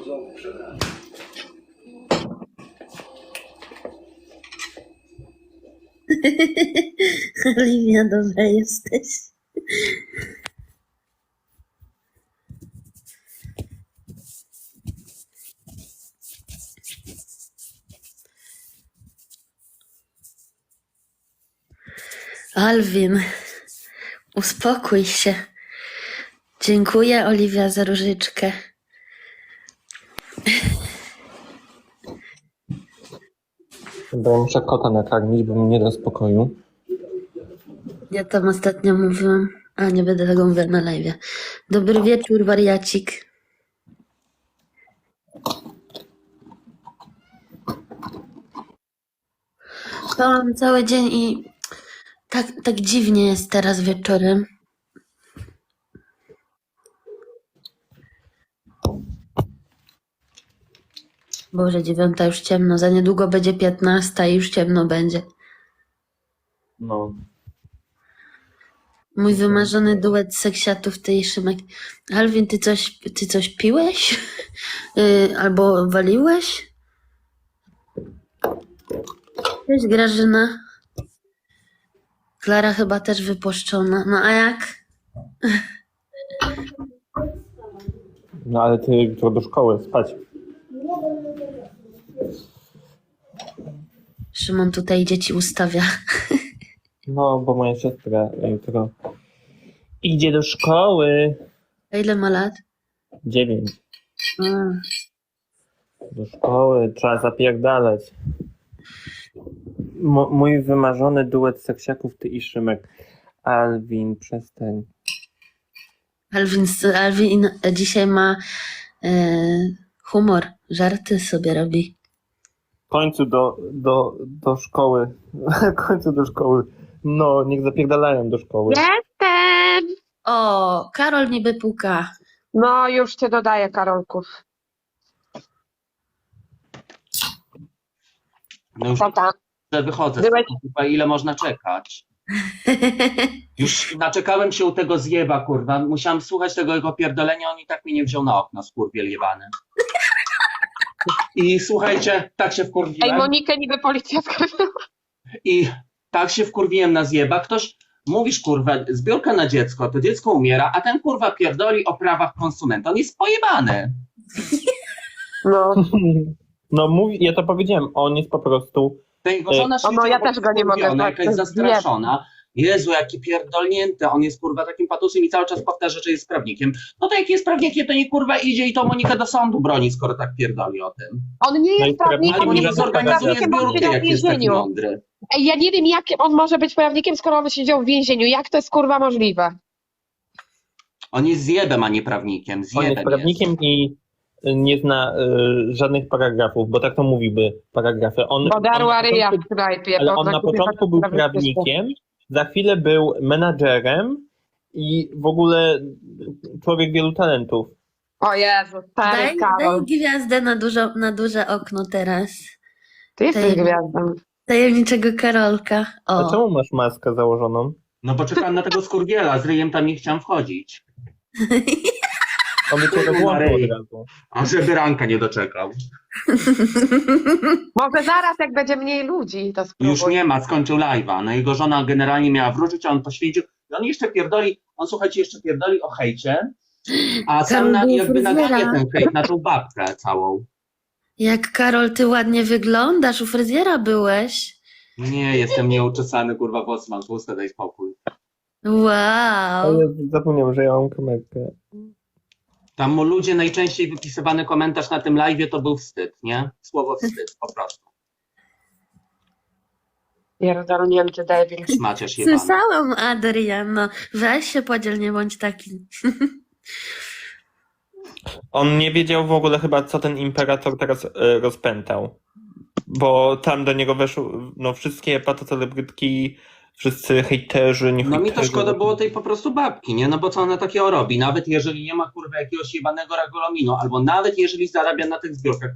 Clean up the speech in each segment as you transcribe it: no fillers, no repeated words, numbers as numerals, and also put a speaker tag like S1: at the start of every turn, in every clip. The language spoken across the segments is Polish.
S1: Oliwia, dobra jesteś. Alwin, uspokój się. Dziękuję, Oliwia, za różyczkę.
S2: Bo muszę kota nakarmić, bo mi nie da spokoju.
S1: Ja tam ostatnio mówiłam, a nie będę tego mówiła na live. Dobry wieczór, wariacik. Spałam cały dzień i tak dziwnie jest teraz wieczorem. Boże, 9 już ciemno, za niedługo będzie 15 i już ciemno będzie.
S2: No.
S1: Mój wymarzony duet seksiatów, ty i Szymek. Alwin, ty coś piłeś? Albo waliłeś? Cześć, Grażyna. Klara chyba też wypuszczona. No a jak?
S2: No ale ty jutro do szkoły, spać.
S1: Szymon tutaj dzieci ustawia.
S2: No, bo moja siostra jutro idzie do szkoły.
S1: A ile ma lat?
S2: 9.
S1: A,
S2: Do szkoły, trzeba zapierdalać. Mój wymarzony duet seksiaków, ty i Szymek. Alwin, przestań.
S1: Alwin dzisiaj ma humor. Żarty sobie robi.
S2: W końcu do szkoły. W końcu do szkoły. No, niech zapierdalają do szkoły.
S3: Jestem!
S1: O, Karol niby puka.
S3: No, już cię dodaję, Karolków.
S4: No już
S3: Co tam?
S4: wychodzę,
S3: Byłeś-
S4: kurwa, ile można czekać? Już naczekałem się u tego zjeba, kurwa. Musiałem słuchać tego jego pierdolenia, on i tak mnie nie wziął na okno, skurwiel jebany. I słuchajcie, tak się
S3: Ej,
S4: wkurwiłem.
S3: Monikę niby policja skarżyła.
S4: I tak się wkurwiłem na zjeba. Ktoś, mówisz, kurwa, zbiórka na dziecko, to dziecko umiera, a ten kurwa pierdoli o prawach konsumenta. On jest pojebany.
S3: No.
S2: No, ja to powiedziałem, on jest po prostu...
S4: Ta jego żona się
S3: no, ja też go nie mogę
S4: wkurwiona,
S3: znać, to
S4: jakaś
S3: jest
S4: zastraszona. Jezu, jaki pierdolnięty, on jest kurwa takim patusem i cały czas powtarza, że jest prawnikiem. No to jak jest prawnikiem, to nie kurwa idzie i to Monikę do sądu broni, skoro tak pierdoli o tym.
S3: On nie
S2: No i
S3: jest prawnikiem,
S4: Ale
S2: on
S3: nie
S4: niech
S3: jest
S4: zorganizuje
S3: prawnikiem, on
S4: zbiórkę,
S3: siedział w
S4: jak jest taki
S3: więzieniu.
S4: mądry.
S3: Ej, ja nie wiem, jak on może być prawnikiem, skoro on siedział w więzieniu. Jak to jest kurwa możliwe?
S4: On jest zjebem, a nie prawnikiem.
S2: On
S4: Zjebem
S2: jest prawnikiem i nie zna żadnych paragrafów, bo tak to mówiły paragrafy.
S3: Bo darła ryja w knajpie.
S2: Ale
S3: bo
S2: on na
S3: kurwa
S2: początku był
S3: prawnikiem.
S2: prawnikiem, za chwilę był menadżerem i w ogóle człowiek wielu talentów.
S3: O Jezu, stary
S1: Daj
S3: Karol.
S1: gwiazdę na duże okno teraz.
S3: Ty jesteś
S1: Daj-
S3: gwiazdą.
S1: Tajemniczego Karolka.
S2: A
S1: O.
S2: czemu masz maskę założoną?
S4: No bo czekałem na tego skurwiela, z ryjem tam nie chciałem wchodzić.
S2: On by cię włączył
S4: Maryi.
S2: od razu.
S4: A żeby ranka nie doczekał.
S3: Może zaraz, jak będzie mniej ludzi, to spróbuj.
S4: Już nie ma, skończył live'a. No jego żona generalnie miała wróżyć, a on poświęcił. I on jeszcze pierdoli, on słuchajcie, jeszcze pierdoli o hejcie, a sam
S1: Karol był
S4: jakby
S1: fryzjera.
S4: nadaje ten hejt na tą babkę całą.
S1: Jak Karol, ty ładnie wyglądasz, u fryzjera byłeś.
S4: Nie, jestem nieuczesany, kurwa, włosy mam tłuste, daj spokój.
S1: Wow.
S2: Ale zapomniałem, że ja mam kamerkę.
S4: Tam mu ludzie najczęściej wypisywany komentarz na tym live'ie to był wstyd, nie? Słowo wstyd, po prostu.
S3: Pierdolnięty debil.
S4: Macierz jebany.
S1: Słyszałam, Adrian, no weź się podziel, nie bądź taki.
S2: On nie wiedział w ogóle chyba, co ten imperator teraz rozpętał. Bo tam do niego weszły no, wszystkie patocelebrytki, wszyscy hejterzy, nie
S4: No mi to
S2: hejterzy.
S4: szkoda było tej po prostu babki, nie? No bo co ona takiego robi? Nawet jeżeli nie ma kurwa jakiegoś jebanego regulaminu, albo nawet jeżeli zarabia na tych zbiórkach,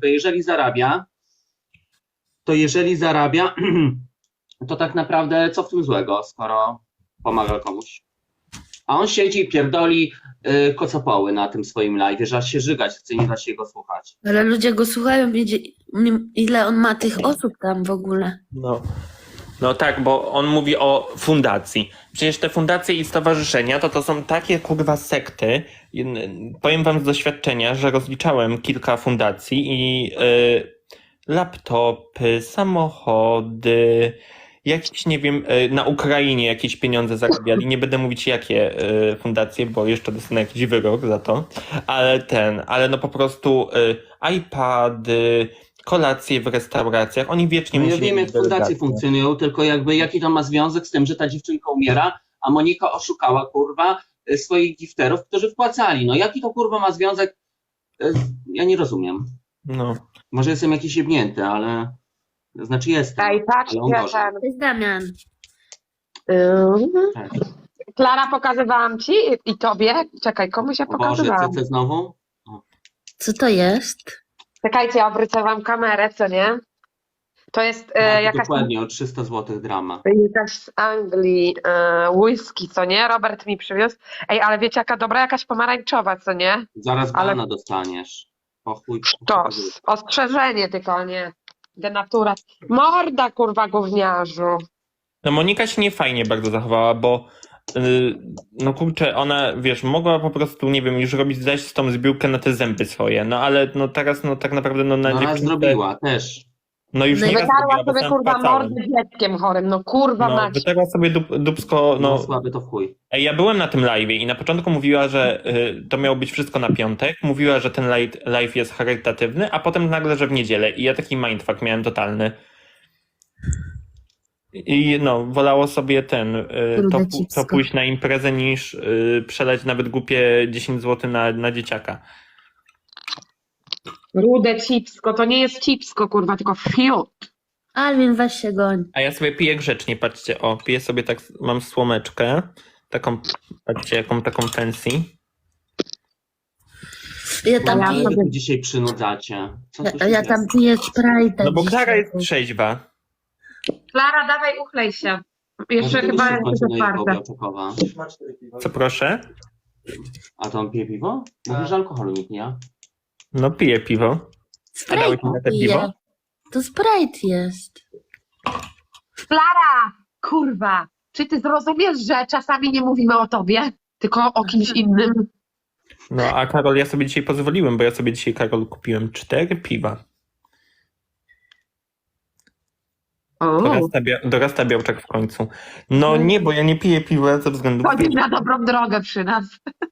S4: to jeżeli zarabia, to tak naprawdę co w tym złego, skoro pomaga komuś? A on siedzi i pierdoli kocopoły na tym swoim live, że aż się żygać chce, nie da się go słuchać.
S1: Ale ludzie go słuchają, ile on ma tych osób tam w ogóle.
S2: No tak, bo on mówi o fundacji. Przecież te fundacje i stowarzyszenia to są takie kurwa sekty. Powiem wam z doświadczenia, że rozliczałem kilka fundacji i laptopy, samochody, jakieś, nie wiem, na Ukrainie jakieś pieniądze zarabiali. Nie będę mówić jakie fundacje, bo jeszcze dostanę jakiś wyrok za to. Ale no po prostu iPady, kolacje w restauracjach, oni wiecznie
S4: No ja
S2: musieli
S4: wiem, jak
S2: mieć
S4: fundacje
S2: delegacje.
S4: funkcjonują, tylko jakby jaki to ma związek z tym, że ta dziewczynka umiera, a Monika oszukała, kurwa, swoich gifterów, którzy wpłacali. No jaki to, kurwa, ma związek? Ja nie rozumiem.
S2: No.
S4: Może jestem jakiś jebnięty, ale... Znaczy jestem.
S3: Ej, patrzcie,
S4: Ale on gorzej.
S3: ten...
S1: To jest Damian.
S4: Cześć.
S3: Klara, pokazywałam ci i tobie. Czekaj, komuś ja
S4: O Boże,
S3: pokazywałam.
S4: CC znowu?
S1: Co to jest?
S3: Czekajcie, ja obrócę wam kamerę, co nie? To jest
S4: Tak,
S3: jakaś,
S4: dokładnie, o 300 zł drama.
S3: jakaś z Anglii whisky, co nie? Robert mi przywiózł. Ej, ale wiecie, jaka dobra, jakaś pomarańczowa, co nie?
S4: Zaraz
S3: Ale-
S4: bana dostaniesz. O chuj.
S3: Sztos. Ostrzeżenie tylko, nie? Denatura. Morda, kurwa, gówniarzu.
S2: No Monika się nie fajnie bardzo zachowała, bo no kurczę, ona, wiesz, mogła po prostu, nie wiem, już dać z tą zbiórkę na te zęby swoje, no ale no teraz, no tak naprawdę, no na
S4: No raz
S2: dziewczynce-
S4: zrobiła, też.
S2: No już
S1: No i
S2: nie raz
S3: Wytarła
S2: zrobiła, bo
S3: sobie,
S2: sam
S3: kurwa,
S2: wpłacałem.
S3: mordę dzieckiem chorym. No kurwa,
S2: No,
S3: mać.
S2: wytarła sobie dupsko,
S4: No,
S2: no.
S4: słaby to w chuj.
S2: Ej, ja byłem na tym live'ie i na początku mówiła, że to miało być wszystko na piątek, mówiła, że ten live jest charytatywny, a potem nagle, że w niedzielę i ja taki mindfuck miałem totalny. I no, wolało sobie to pójść na imprezę niż przelać nawet głupie 10 zł na dzieciaka.
S3: Rude cipsko, to nie jest cipsko, kurwa, tylko fiut.
S1: Alwin, weź się goń.
S2: A ja sobie piję grzecznie, patrzcie, piję sobie tak, mam słomeczkę, taką, patrzcie, jaką taką fancy.
S1: Ja tam
S3: Ja
S4: Ale
S1: piję,
S4: wy tu dzisiaj przynudzacie. Co tu się
S1: ja tam piję Sprite'a.
S2: No bo Klara
S1: dzisiaj.
S2: jest trzeźwa.
S3: Klara, dawaj, uchlej się. Jeszcze chyba jest otwarte.
S4: Czekowa.
S2: Co proszę?
S4: A to on pije piwo? Mówisz, że alkoholu nikt nie.
S2: No piję piwo. A dałeś mi na
S1: Sprite
S2: te piwo?
S1: piję. To Sprite jest.
S3: Klara, kurwa, czy ty zrozumiesz, że czasami nie mówimy o tobie, tylko o kimś innym?
S2: No a Karol, ja sobie dzisiaj pozwoliłem, bo ja sobie dzisiaj, Karol, kupiłem 4 piwa.
S3: O,
S2: Dorasta Białczak w końcu. No nie, bo ja nie piję piwa ze względu na...
S3: chodzi na dobrą drogę przy nas.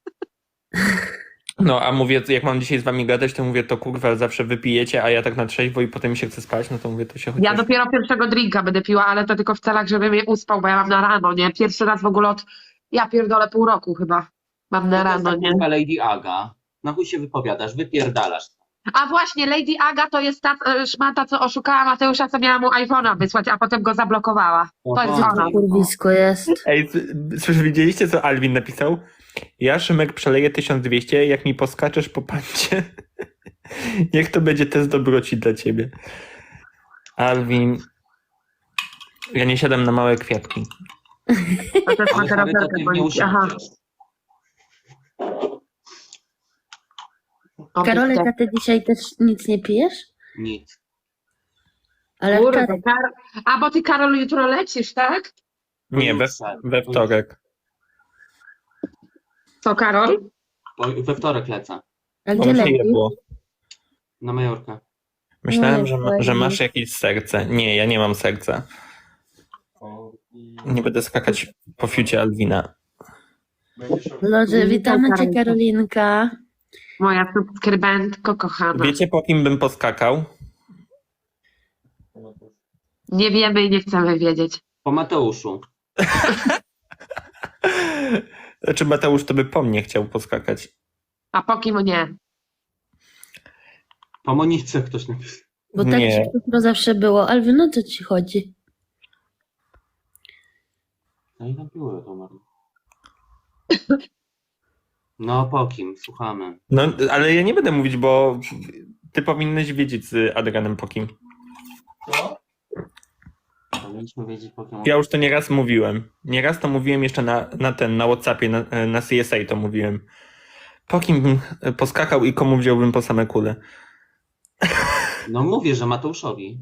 S2: No a mówię, jak mam dzisiaj z wami gadać, to mówię, to kurwa zawsze wypijecie, a ja tak na trzeźwo i potem mi się chce spać, no to mówię, to się chociaż...
S3: Ja dopiero pierwszego drinka będę piła, ale to tylko w celach, żeby mnie uspał, bo ja mam na rano, nie? Pierwszy raz w ogóle ja pierdolę pół roku chyba. Mam na rano, nie?
S4: Lady Aga. Na chuj się wypowiadasz, wypierdalasz.
S3: A właśnie, Lady Aga to jest ta szmata, co oszukała Mateusza, co miała mu iPhone'a wysłać, a potem go zablokowała. To jest
S4: Oho.
S3: ona.
S1: Kurwisko jest.
S2: Ej, widzieliście, co Alwin napisał? Ja, Szymek, przeleję 1200, jak mi poskaczesz po pancie. Niech to będzie test dobroci dla ciebie. Alwin, ja nie siadam na małe kwiatki.
S3: To też
S4: Ale
S3: ma teraz
S4: charytatywnie
S3: Aha.
S4: usiądziesz.
S1: Karolek, a ty dzisiaj też nic nie pijesz?
S4: Nic.
S1: Ale
S3: Kurde,
S1: wczoraj.
S3: A bo ty, Karol, jutro lecisz, tak?
S2: Nie, we wtorek.
S3: Co, Karol?
S4: We wtorek lecę.
S1: A
S2: Bo
S1: gdzie
S2: mi się
S1: lecisz?
S2: jebło.
S4: Na Majorkę.
S2: Myślałem,
S1: Nie,
S2: że
S1: nie.
S2: masz jakieś serce. Nie, ja nie mam serca. Nie będę skakać po fiucie Alwina.
S1: Loże, witamy cię,
S3: Karolka.
S1: Karolinka.
S3: Moja subskrybentko kochana.
S2: Wiecie, po kim bym poskakał?
S3: Nie wiemy i nie chcemy wiedzieć.
S4: Po Mateuszu.
S2: Znaczy Mateusz to by po mnie chciał poskakać.
S3: A po kim nie?
S4: Po Monice ktoś napisał.
S1: Bo tak
S2: Nie.
S1: to zawsze było. Alwin, o co ci chodzi?
S4: No i napiło to Maria. No po kim? Słuchamy.
S2: No, ale ja nie będę mówić, bo ty powinnyś wiedzieć z Adrianem po kim.
S4: Ale Powinniśmy wiedzieć Pokémon.
S2: Ja już to nieraz mówiłem. Nieraz to mówiłem jeszcze na WhatsAppie, na CSA to mówiłem. Po kim bym poskakał i komu wziąłbym po same kule?
S4: No mówię, że Mateuszowi.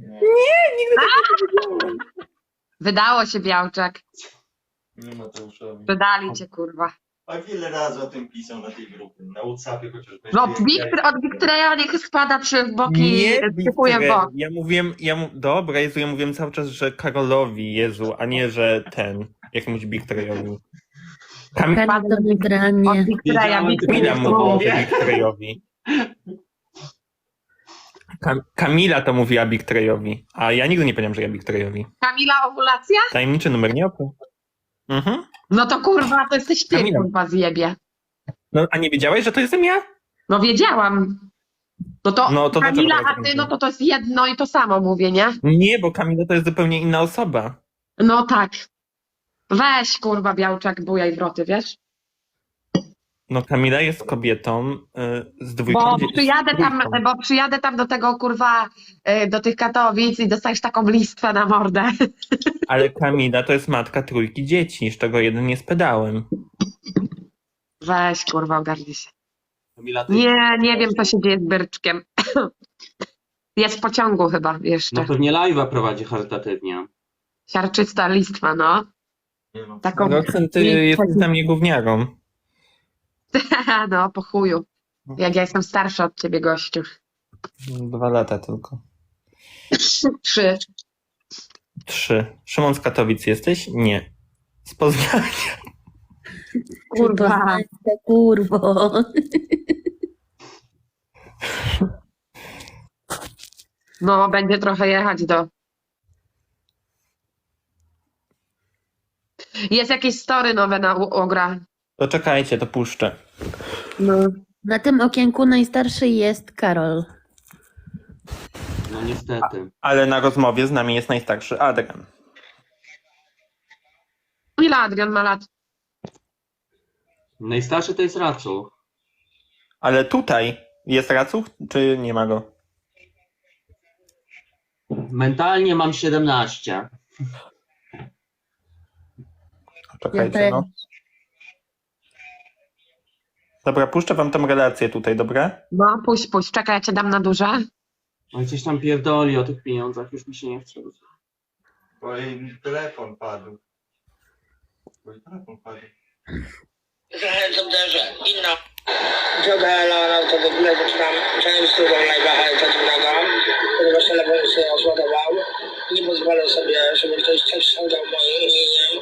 S3: Wydało się, Białczak.
S5: Nie Mateuszowi.
S3: Wydali cię, kurwa.
S5: A wiele razy o tym pisał na tej grupie. Na WhatsAppie chociażby.
S3: No, od Wiktoria niech spada w boki, typuje w bok.
S2: Dobra, Jezu, ja mówiłem cały czas, że Karolowi, Jezu, a nie, że jakimś Bigtrejowi.
S1: Kali to
S3: Od
S1: wygranie.
S3: Wiktoria,
S2: Kamila mówiła Bigtrejowi. Kamila to mówiła Bigtrejowi, a ja nigdy nie powiedziałem, że ja Bigtrejowi.
S3: Kamila Owulacja?
S2: Tajemniczy numer nie opał. Mhm.
S3: No to kurwa, to jesteś ty,
S2: Kamila.
S3: kurwa, zjebie.
S2: No, a nie wiedziałeś, że to jestem ja?
S3: No wiedziałam. No to
S2: dlaczego
S3: Kamila,
S2: tak
S3: a ty,
S2: mówię?
S3: no to jest jedno i to samo mówię, nie?
S2: Nie, bo Kamila to jest zupełnie inna osoba.
S3: No tak. Weź, kurwa, Białczak, bujaj wroty, wiesz?
S2: No Kamila jest kobietą z dwójką
S3: Bo
S2: dzieci.
S3: przyjadę tam do tego, kurwa, do tych Katowic i dostajesz taką listwę na mordę.
S2: Ale Kamila to jest matka trójki dzieci, z czego jeden jest pedałem.
S3: Weź, kurwa, ogarnij się.
S4: Kamila, ty-
S3: Nie wiem, co się dzieje z Byrczkiem. Jest w pociągu chyba jeszcze.
S4: No pewnie live'a prowadzi charytatywnie.
S3: Siarczysta listwa, no.
S5: Nie no.
S3: Taką,
S2: Roxen, ty jesteś dla mnie gówniarą.
S3: no, po chuju. Jak ja jestem starsza od ciebie, gościu.
S2: 2 lata tylko.
S3: 3.
S2: 3. Szymon z Katowic jesteś? Nie. Z Poznania.
S3: Kurwa.
S1: Kurwo.
S3: No, będzie trochę jechać do... Jest jakieś story nowe na Ogra.
S2: To czekajcie, to puszczę.
S3: No.
S1: Na tym okienku najstarszy jest Karol.
S4: No niestety.
S2: Ale na rozmowie z nami jest najstarszy Adrian.
S3: Ile Adrian ma lat?
S4: Najstarszy to jest Racu.
S2: Ale tutaj jest Racuch, czy nie ma go?
S4: Mentalnie mam 17.
S2: Czekajcie,
S1: Ja
S2: no. Dobra, puszczę wam tą relację tutaj, dobra?
S3: No, puść. Czekaj, ja cię dam na duże.
S4: No i coś tam pierdoli o tych pieniądzach, już mi się nie chce.
S5: Bo jej telefon padł. Bo jej telefon padł.
S6: Zachęcam też inna droga Elona, to w ogóle zaczynam często do live'a charytatywnego, ponieważ telefon się rozładował. Nie pozwolę sobie, żeby ktoś coś ściągał moim imieniem.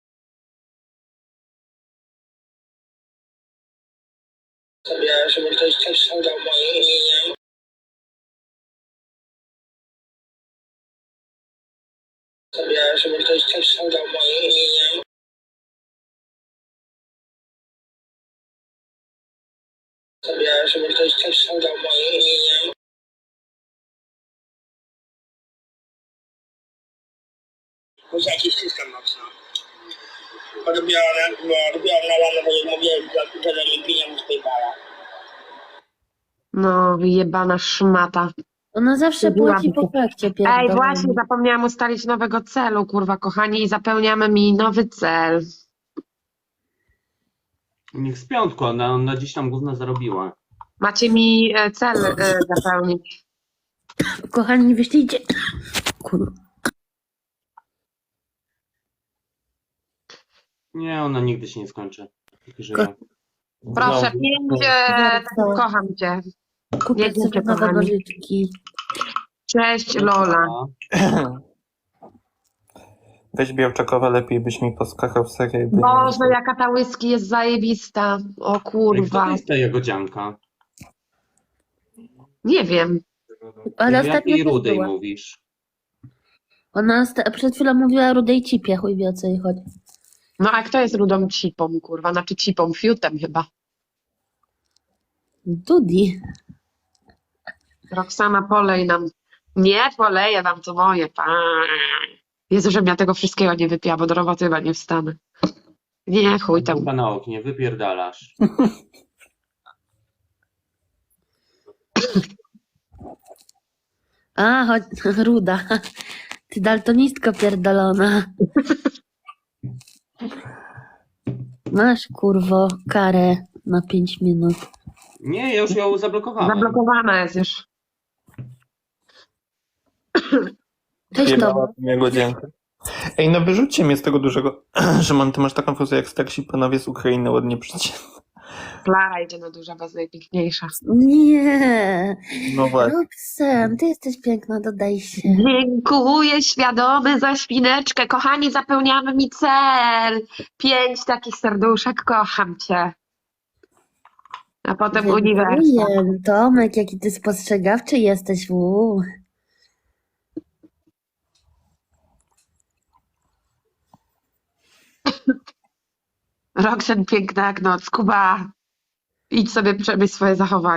S6: Żeby ktoś coś ściągał moim imieniem. Żeby ktoś coś ściągał moim imieniem. Żeby ktoś coś ściągał moim imieniem. Muszę jakiś system mocno. Odbiorę na rano, bo jak mówiłem, że nie pieniądze z PayPala.
S3: No, wyjebana szmata.
S1: Ona zawsze płaci po fakcie
S3: Ej,
S1: pierdolonym.
S3: właśnie, zapomniałam ustalić nowego celu, kurwa, kochani, i zapełniamy mi nowy cel.
S4: Niech z piątku, ona gdzieś tam gówno zarobiła.
S3: Macie mi cel zapełnić.
S1: Kochani, wyślijcie. Kurwa.
S4: Nie, ona nigdy się nie skończy. Póki żyje.
S3: Proszę,
S2: Znowu.
S3: 5, kocham cię.
S1: Kupię
S3: Jedziecie,
S1: sobie nowe
S3: kochani.
S1: nożyczki.
S3: Cześć, Lola.
S2: Weź Białczakowa, lepiej byś mi poskakał w serię.
S3: Boże, jaka ta whisky jest zajebista. O
S4: Kto
S3: kurwa.
S4: to jest ta jagodzianka?
S3: Nie wiem.
S1: Ale
S4: O
S1: ostatnio
S4: jakiej
S1: też
S4: rudej
S1: była.
S4: mówisz?
S1: Ona przed chwilą mówiła o rudej cipie, chuj wie o co jej chodzi.
S3: No a kto jest rudą cipą, kurwa? Znaczy cipą, fiutem chyba.
S1: Dudi.
S3: Roxana, polej nam. Nie, poleję wam, to moje. Jezu, żebym ja tego wszystkiego nie wypiła, bo do roboty chyba nie wstanę. Nie, chuj tam.
S4: Chyba na oknie, wypierdalasz.
S1: A, chodź, ruda. Ty daltonistko pierdolona. Masz, kurwo, karę na 5 minut.
S4: Nie, ja już ją zablokowałem.
S3: Zablokowana jest już.
S1: Cześć, Tomek.
S2: Jebała mnie godzinkę. Ej, no wyrzućcie mnie z tego dużego, że ty masz taką fuzję jak starsi panowie z Ukrainy ładnie przecież.
S3: Klara idzie na duża, bo najpiękniejsza.
S1: Nie.
S2: No właśnie.
S1: Roxem, ty jesteś piękna, dodaj się.
S3: Dziękuję świadomy za świneczkę. Kochani, zapełniamy mi cel. 5 takich serduszek, kocham cię. A potem uniwersum.
S1: Dziękuję. Tomek, jaki ty spostrzegawczy jesteś.
S3: Roxen piękna jak noc. Kuba, idź sobie przemyśl swoje zachowanie.